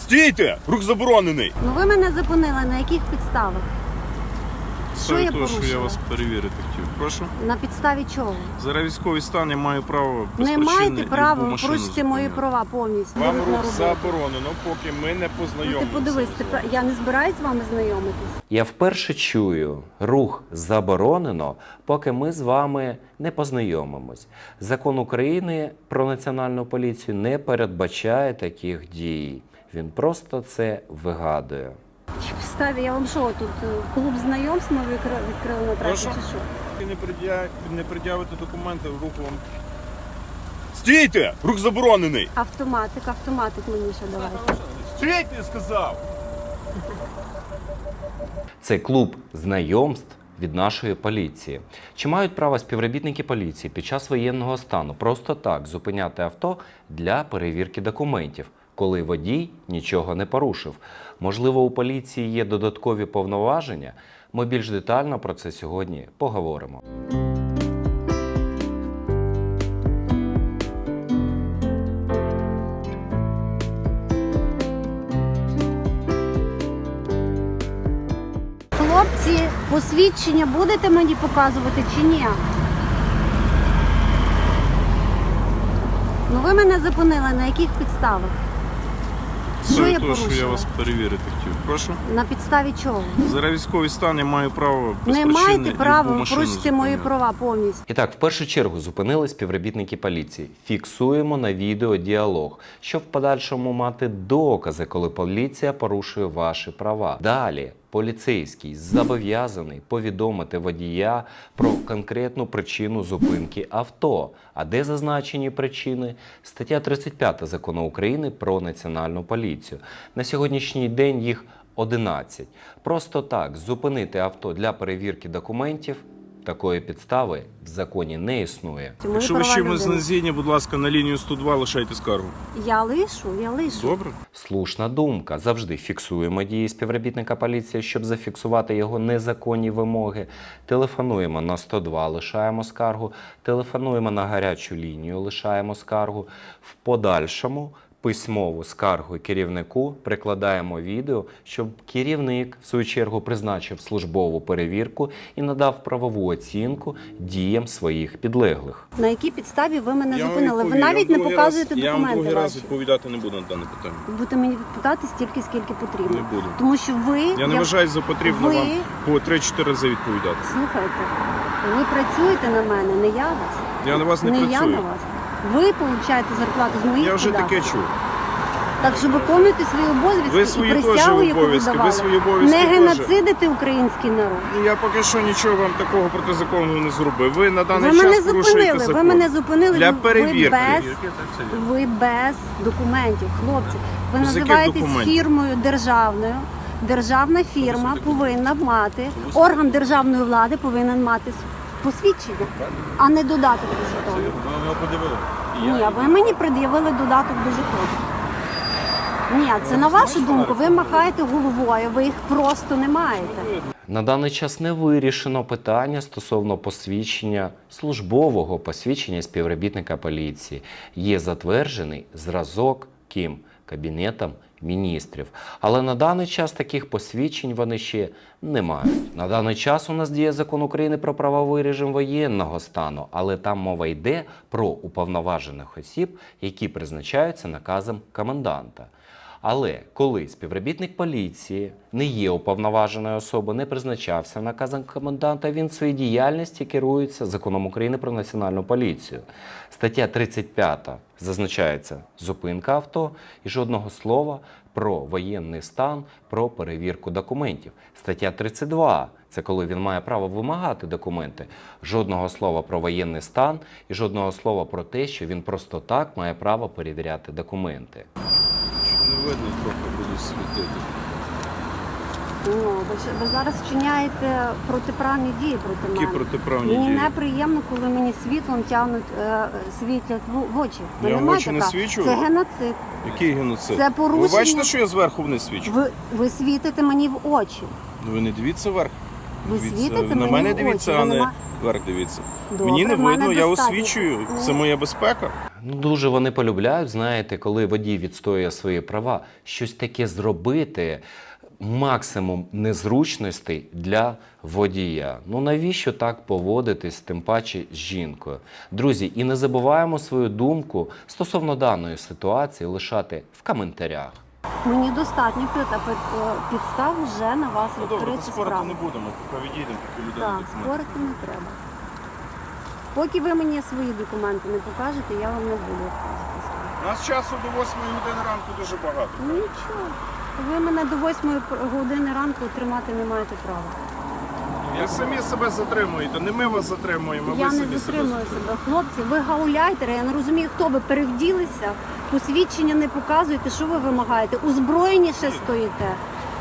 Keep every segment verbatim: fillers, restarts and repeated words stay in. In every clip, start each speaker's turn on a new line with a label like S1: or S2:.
S1: Стійте! Рух заборонений!
S2: Ну ви мене зупинили, на яких підставах? Що я
S3: того, що я
S2: порушила?
S3: вас перевірити хотів. Прошу.
S2: На підставі чого?
S3: Зараз військовий стан, я маю право без
S2: Не
S3: причини
S2: маєте права,
S3: любу
S2: ви
S3: машину
S2: порушите мої
S3: зупиняти.
S2: права повністю.
S1: Вам
S2: Йдуть на
S1: рух
S2: роботу.
S1: заборонено, поки ми не
S2: Ну
S1: познайомимося.
S2: ти подивись, ти, пра- я не збираюсь з вами знайомитись.
S4: Я вперше чую, рух заборонено, поки ми з вами не познайомимось. Закон України про національну поліцію не передбачає таких дій. Він просто це вигадує.
S2: Чи підставі, я вам що, тут е, клуб знайомств ми відкрили, відкрили на трасі,
S1: Прошу?
S2: чи що?
S3: Ви не пред'явите, не пред'явите документи, в руку вам.
S1: Стійте! Рух заборонений!
S2: Автоматик, автоматик мені ще давайте.
S1: Стійте, я сказав!
S4: Це клуб знайомств від нашої поліції. Чи мають право співробітники поліції під час воєнного стану просто так зупиняти авто для перевірки документів, коли водій нічого не порушив? Можливо, у поліції є додаткові повноваження? Ми більш детально про це сьогодні поговоримо.
S2: Хлопці, посвідчення будете мені показувати чи ні? Ну ви мене зупинили, на яких підставах? Що я
S3: того, що я
S2: порушила?
S3: вас перевірити хотів. Прошу.
S2: На підставі чого?
S3: Зараз військовий стан, я маю право без
S2: Не
S3: причини
S2: маєте права,
S3: любу
S2: ви
S3: машину
S2: порушите мої
S3: зупиняти.
S2: права повністю.
S4: І так, в першу чергу зупинили співробітники поліції. Фіксуємо на відео діалог, щоб в подальшому мати докази, коли поліція порушує ваші права. Далі поліцейський зобов'язаний повідомити водія про конкретну причину зупинки авто. А де зазначені причини? Стаття тридцять п'ята Закону України про національну поліцію. На сьогоднішній день їх одинадцять. Просто так зупинити авто для перевірки документів такої підстави в законі не існує.
S2: Мої
S3: Якщо ви
S2: права
S3: чимось
S2: людини.
S3: не згідні, будь ласка, на лінію сто два лишайте скаргу.
S2: Я лишу, я лишу.
S3: Добре?
S4: Слушна думка. Завжди фіксуємо дії співробітника поліції, щоб зафіксувати його незаконні вимоги. Телефонуємо на сто два, лишаємо скаргу. Телефонуємо на гарячу лінію, лишаємо скаргу. В подальшому письмову скаргу керівнику прикладаємо відео, щоб керівник, в свою чергу, призначив службову перевірку і надав правову оцінку діям своїх підлеглих.
S2: На якій підставі ви мене
S3: Я вам
S2: зупинили? Ви
S3: відповім. Я
S2: навіть
S3: вам
S2: не
S3: другий
S2: показуєте
S3: раз- Я вам
S2: документи
S3: другий раз
S2: ваші.
S3: відповідати не буду на дане питання.
S2: Ви будете мені відповідати стільки, скільки потрібно.
S3: Не буду.
S2: Тому що ви...
S3: Я не вважаю за потрібно
S2: ви-
S3: вам по три-чотири рази відповідати.
S2: Слухайте, ви працюєте на мене, не я вас.
S3: Я на вас не,
S2: не я
S3: працюю.
S2: на вас. Ви получаєте зарплату з моїх
S3: Я вже
S2: податків.
S3: таке чув.
S2: Так що виконуйте свої обов'язки
S3: Ви
S2: і
S3: свої
S2: присягу,
S3: теж
S2: яку
S3: обов'язки, ви
S2: давали.
S3: свої обов'язки
S2: Не
S3: теж.
S2: геноцидити український народ.
S3: Я поки що нічого вам такого протизаконного не зробив. Ви на
S2: Ви
S3: даний
S2: мене
S3: час порушуєте
S2: зупинили,
S3: закон.
S2: ви мене зупинили,
S3: Для
S2: ви,
S3: перевірки.
S2: ви без, ви без документів, хлопці. Ви
S3: З яких
S2: називаєтесь
S3: документів?
S2: фірмою державною. Державна фірма повинна мати, орган державної влади повинен мати посвідчення, а не додаток до жетону.
S3: Ви його подивили?
S2: Ні, а ви мені пред'явили додаток до жетону. Ні, це на вашу думку, ви махаєте головою, ви їх просто не маєте.
S4: На даний час не вирішено питання стосовно посвідчення, службового посвідчення співробітника поліції. Є затверджений зразок ким? Кабінетом міністрів. Але на даний час таких посвідчень вони ще не мають. На даний час у нас діє Закон України про правовий режим воєнного стану, але там мова йде про уповноважених осіб, які призначаються наказом коменданта. Але коли співробітник поліції не є уповноваженою особою, не призначався наказом коменданта, він в своїй діяльності керується Законом України про національну поліцію. Стаття тридцять п'ята зазначається зупинка авто і жодного слова про воєнний стан, про перевірку документів. Стаття тридцять два – це коли він має право вимагати документи. Жодного слова про воєнний стан і жодного слова про те, що він просто так має право перевіряти документи.
S3: Не видно, трохи буду світити.
S2: Ну, ви, ж- ви зараз вчиняєте протиправні дії проти
S3: Які
S2: мене.
S3: протиправні
S2: Мені
S3: дії?
S2: неприємно, коли мені світлом тягнуть, е, світлять в, в очі. Ви
S3: Я
S2: не
S3: в
S2: маєте
S3: очі не
S2: права.
S3: свічу?
S2: Це геноцид.
S3: Який геноцид?
S2: Це порушення.
S3: Ви бачите, що я зверху вниз свічу?
S2: Ви, ви світите мені в очі.
S3: Ну ви не дивіться вверх.
S2: Ви
S3: Дивіться.
S2: світите
S3: На
S2: мені
S3: мене
S2: в
S3: дивіться,
S2: очі,
S3: а
S2: ви
S3: не
S2: нема-
S3: вверх дивіться.
S2: Добре,
S3: Мені не
S2: в мене
S3: видно, я
S2: достатньо.
S3: освічую.
S2: Ну.
S3: Це моя безпека.
S4: Ну, дуже вони полюбляють, знаєте, коли водій відстоює свої права, щось таке зробити, максимум незручностей для водія. Ну навіщо так поводитись, тим паче з жінкою? Друзі, і не забуваємо свою думку стосовно даної ситуації лишати в коментарях.
S2: Мені достатньо під- під- підстав вже на вас
S3: Ну добре,
S2: відкрити
S3: то спорити
S2: справу.
S3: не будемо, поки відійдемо, поки людина
S2: Так,
S3: документи.
S2: спорити не треба. Поки ви мені свої документи не покажете, я вам не буду відказувати.
S3: У нас часу до восьмої години ранку дуже багато.
S2: Нічого. Ви мене до восьмої години ранку тримати не маєте права.
S3: Ви самі себе затримуєте, не ми вас затримуємо,
S2: Я
S3: ви
S2: не
S3: самі
S2: затримую
S3: себе.
S2: себе. Хлопці, ви гауляйтери, я не розумію, хто ви перевділися, посвідчення не показуєте, що ви вимагаєте? Узброєні ще стоїте.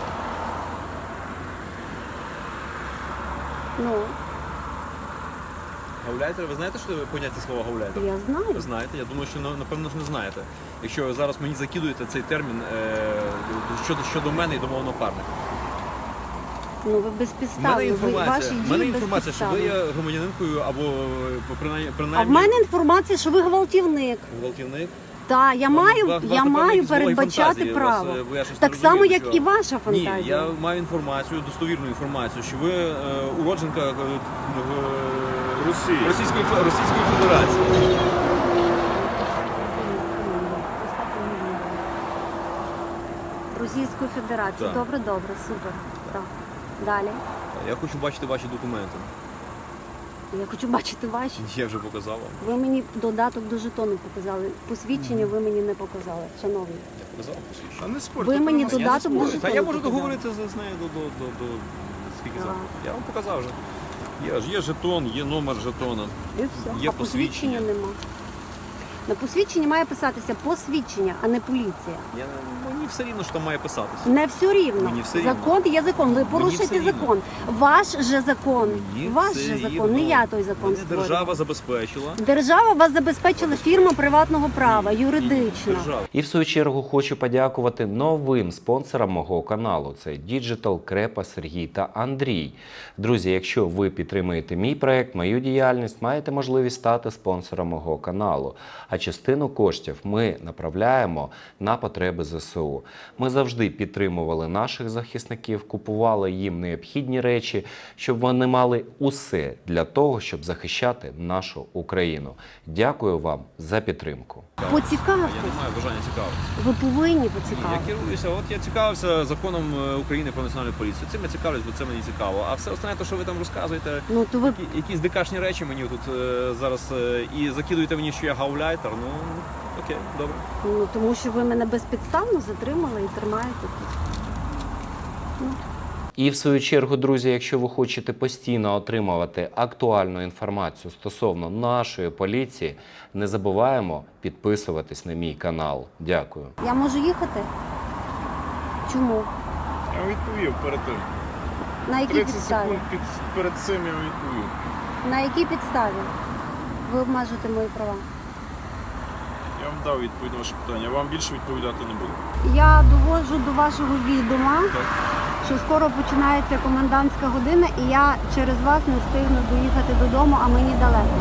S2: Ну,
S5: Гауляйтер, ви знаєте, що поняття слова гауляйтер?
S2: я знаю.
S5: Ви знаєте, я думаю, що на- напевно ж не знаєте. Якщо ви зараз мені закидуєте цей термін е, щодо, щодо мене і до мого напарника.
S2: Ну, ви
S5: У мене
S2: безпідставні, ви, ваші
S5: інформація, в мене
S2: дії
S5: інформація, що ви
S2: безпідставні.
S5: є громадянинкою або е, принаймні,
S2: А в
S5: принаймні
S2: мене інформація, що ви гвалтівник.
S5: гвалтівник.
S2: Так, я
S5: Вам-
S2: маю,
S5: вас- вас,
S2: я
S5: напевно,
S2: маю
S5: якісь були
S2: передбачати
S5: фантазії, вас,
S2: право.
S5: е, бо я щось
S2: Так
S5: не
S2: само,
S5: розумію,
S2: як
S5: що-
S2: і ваша фантазія.
S5: Ні, я маю інформацію, достовірну інформацію, що ви е, уродженка е, в-
S3: Росії.
S5: Російської, Фе- Російської Федерації.
S2: Російської Федерації.
S5: Так.
S2: Добре, добре, супер. Так. Далі.
S5: Я хочу бачити ваші документи.
S2: Я хочу бачити ваші.
S5: Я вже показав вам.
S2: Ви мені додаток до жетону показали. Посвідчення ви мені не показали, шановні.
S5: Я показав посвідчення.
S3: А не спорте.
S2: Ви
S3: то
S2: мені
S3: нас-
S2: туди-
S5: Я не
S2: Додаток
S5: спорю.
S2: дуже
S5: Та я
S2: тонко
S5: можу
S2: показав.
S5: договоритися з нею до, до, до, до скільки
S2: Так.
S5: завтра. Я вам показав вже. Є, ж- є жетон, є номер жетона.
S2: І все.
S5: Є
S2: а посвідчення
S5: посвідчення.
S2: нема. На посвідченні має писатися посвідчення, а не поліція.
S5: Я, мені все рівно, що там має писатися.
S2: Не все рівно.
S5: Мені все рівно.
S2: Закон є закон. Ви порушуєте
S5: все рівно.
S2: закон. Ваш же закон.
S5: Мені
S2: Ваш
S5: все
S2: же закон.
S5: рівно.
S2: Не я той закон
S5: Мене
S2: створюю.
S5: держава забезпечила.
S2: Держава вас забезпечила фірма приватного права, юридична.
S5: Держава.
S4: І в свою чергу хочу подякувати новим спонсорам мого каналу. Це Digital, Крепа, Сергій та Андрій. Друзі, якщо ви підтримуєте мій проект, мою діяльність, маєте можливість стати спонсором мого каналу. А частину коштів ми направляємо на потреби зе се у. Ми завжди підтримували наших захисників, купували їм необхідні речі, щоб вони мали усе для того, щоб захищати нашу Україну. Дякую вам за підтримку.
S2: Поцікавте.
S5: Я не маю бажання цікавитися.
S2: Ви повинні
S5: Я
S2: поцікавити.
S5: керуюся, от я цікавився законом е, України про національну поліцію. Цим я цікавлюсь, бо це мені цікаво. А все остальне, то, що ви там розказуєте,
S2: Ну то ви
S5: які- якісь дикашні речі мені тут е, зараз е, і закидуєте мені, що я гауляйтер. Ну окей, добре.
S2: ну тому, що ви мене безпідставно затримали і тримаєте тут.
S4: І в свою чергу, друзі, якщо ви хочете постійно отримувати актуальну інформацію стосовно нашої поліції, не забуваємо підписуватись на мій канал. Дякую.
S2: Я можу їхати? Чому?
S3: Я вам відповів перед тим.
S2: На якій
S3: тридцять
S2: підставі?
S3: секунд під, перед цим я вам відповів.
S2: На якій підставі ви обмежуєте мої права?
S3: Я вам дав відповідь на ваше питання. Я вам більше відповідати не буду.
S2: Я доводжу до вашого відома, що скоро починається комендантська година, і я через вас не встигну доїхати додому, а мені далеко.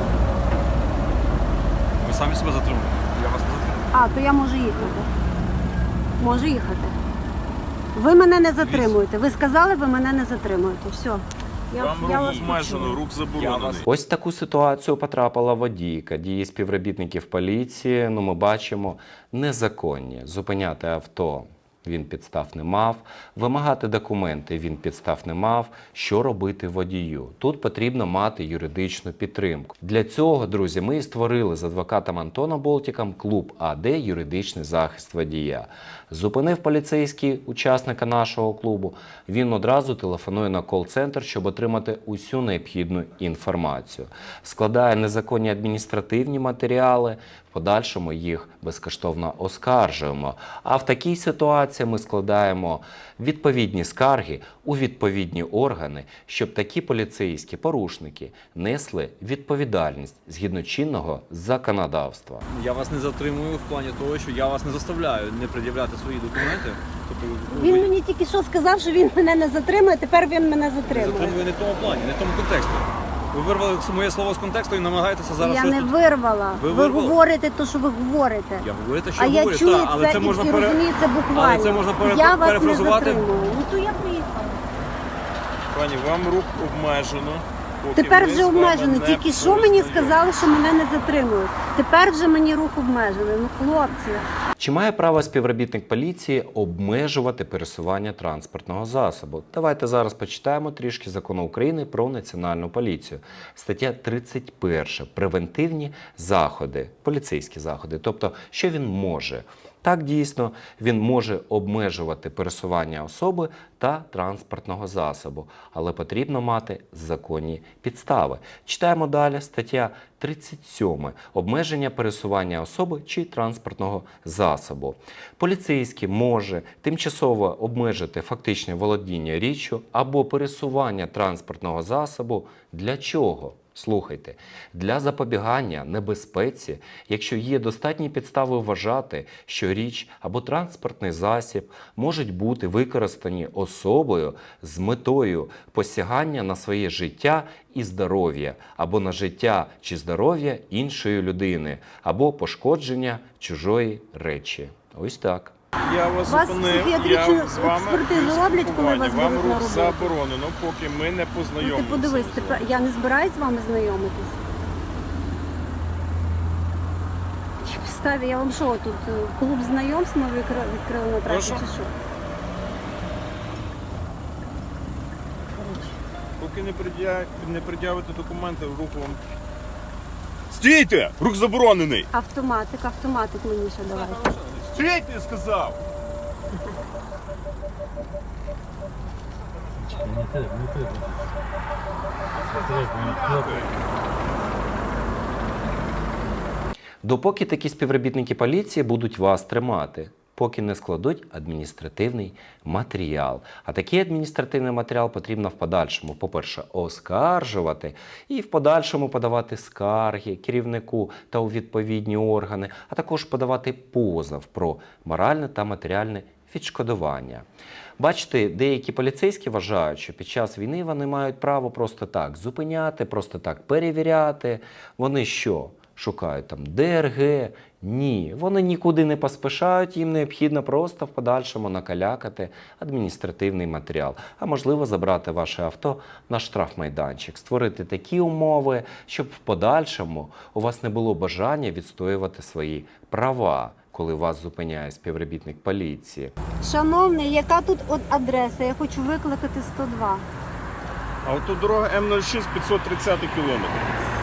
S5: Ви самі себе затримуєте. Я вас не затримую.
S2: А, то я можу їхати. Можу їхати. Ви мене не затримуєте. Ви сказали, ви мене не затримуєте. Все. Я,
S3: Вам
S2: я
S3: рух
S2: вас
S3: обмежено,
S2: почула.
S3: рух заборонений.
S4: Ось в таку ситуацію потрапила водійка. Дії співробітників поліції, ну ми бачимо, незаконні. Зупиняти авто він підстав не мав, вимагати документи він підстав не мав. Що робити водію? Тут потрібно мати юридичну підтримку. Для цього, друзі, ми і створили з адвокатом Антоном Болтіком клуб А Д «Юридичний захист водія». Зупинив поліцейський учасника нашого клубу, він одразу телефонує на кол-центр, щоб отримати усю необхідну інформацію. Складає незаконні адміністративні матеріали, в подальшому їх безкоштовно оскаржуємо. А в такій ситуації ми складаємо відповідні скарги у відповідні органи, щоб такі поліцейські порушники несли відповідальність згідно чинного законодавства.
S5: Я вас не затримую в плані того, що я вас не заставляю не пред'являти свої документи. Тобто
S2: Він
S5: ви
S2: мені тільки що сказав, що він мене не затримує, тепер він мене затримує.
S5: затримує не в тому плані, не в тому контексті. Ви вирвали моє слово з контексту і намагаєтеся зараз
S2: Я
S5: щось
S2: не
S5: тут...
S2: вирвала.
S5: Ви
S2: Ви,
S5: вирвали?
S2: говорите те, що ви говорите.
S5: Я говорю те, що
S2: А я
S5: говорю,
S2: чую
S5: та, але
S2: це,
S5: це
S2: і,
S5: можна
S2: і
S5: пере...
S2: розумію це буквально.
S5: Але це можна пере-
S2: Я вас не
S5: перефразувати.
S2: затримую. Ну то я приїхала.
S1: Пані, вам рух обмежено. Поки
S2: Тепер
S1: ми
S2: вже
S1: з вами
S2: обмежено.
S1: не
S2: Тільки що мені
S1: познайомимося.
S2: сказали, що мене не затримують. Тепер вже мені рух обмежений. Ну, хлопці.
S4: Чи має право співробітник поліції обмежувати пересування транспортного засобу? Давайте зараз почитаємо трішки закону України про національну поліцію. Стаття тридцять перша. Превентивні заходи, поліцейські заходи. Тобто, що він може? Так, дійсно, він може обмежувати пересування особи та транспортного засобу, але потрібно мати законні підстави. Читаємо далі стаття тридцять сьома. Обмеження пересування особи чи транспортного засобу. Поліцейський може тимчасово обмежити фактичне володіння річчю або пересування транспортного засобу. Для чого? Слухайте, для запобігання небезпеці, якщо є достатні підстави вважати, що річ або транспортний засіб можуть бути використані особою з метою посягання на своє життя і здоров'я, або на життя чи здоров'я іншої людини, або пошкодження чужої речі. Ось так.
S1: Я вас
S2: Вас
S1: зупинив, я
S2: психіатричну
S1: з вами
S2: експертизу
S1: без
S2: роблять, коли
S1: спілкування.
S2: вас
S1: Вам
S2: беруть на
S1: рух
S2: роботу?
S1: заборонено, поки ми не
S2: Ну
S1: познайомимося.
S2: ти подивись,
S1: з
S2: тепер
S1: вами.
S2: я не збираюсь з вами знайомитись. Чи підставі, я вам що, тут е, клуб знайомств ми відкрили, відкрили на трасі
S1: Прошу?
S2: чи що?
S1: Поки не, пред'я... не пред'явите документи, рух вам... Стійте! Рух заборонений!
S2: Автоматик, автоматик мені ще давайте.
S1: Стійте, я сказав!
S4: Допоки такі співробітники поліції будуть вас тримати, поки не складуть адміністративний матеріал. А такий адміністративний матеріал потрібно в подальшому, по-перше, оскаржувати і в подальшому подавати скарги керівнику та у відповідні органи, а також подавати позов про моральне та матеріальне відшкодування. Бачите, деякі поліцейські вважають, що під час війни вони мають право просто так зупиняти, просто так перевіряти. Вони що? Шукають там Д Ер Ге? Ні, вони нікуди не поспішають, їм необхідно просто в подальшому накалякати адміністративний матеріал, а можливо забрати ваше авто на штрафмайданчик, створити такі умови, щоб в подальшому у вас не було бажання відстоювати свої права, коли вас зупиняє співробітник поліції.
S2: Шановний, яка тут от адреса? Я хочу викликати сто два.
S1: Автодорога Ем нуль шість п'ятсот тридцять кілометр.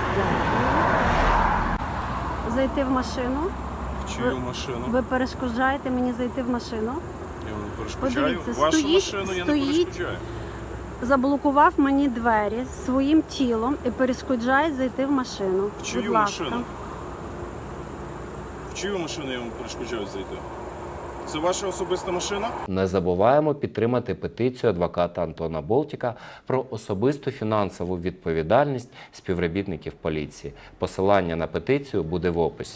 S2: Зайти в машину.
S1: В чию машину?
S2: Ви перешкоджаєте мені зайти в машину.
S1: Я вам не перешкоджаю.
S2: Подивіться,
S1: Вашу
S2: стоїть-
S1: машину я не
S2: стоїть-
S1: перешкоджаю.
S2: Заблокував мені двері своїм тілом і перешкоджає зайти в машину.
S1: В чию
S2: Будь ласка.
S1: машину? В чию машину я вам перешкоджаю зайти? Це ваша особиста машина?
S4: Не забуваємо підтримати петицію адвоката Антона Болтіка про особисту фінансову відповідальність співробітників поліції. Посилання на петицію буде в описі.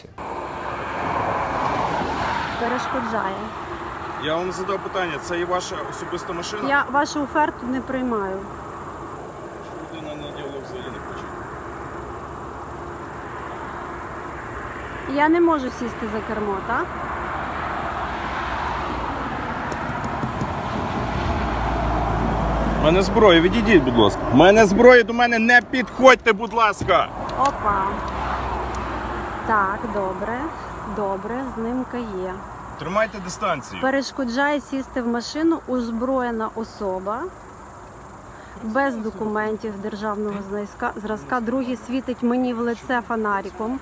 S2: Перешкоджає.
S1: Я вам задав питання, це і ваша особиста машина?
S2: Я вашу оферту не приймаю.
S1: Людина на діалог взагалі не хоче.
S2: Я не можу сісти за кермо, так?
S1: У мене зброя, відійдіть, будь ласка. У мене зброя, до мене не підходьте, будь ласка.
S2: Опа. Так, добре. Добре, знимка є.
S1: Тримайте дистанцію.
S2: Перешкоджає сісти в машину озброєна особа без документів державного зразка. Зразка. Другий світить мені в лице фонариком.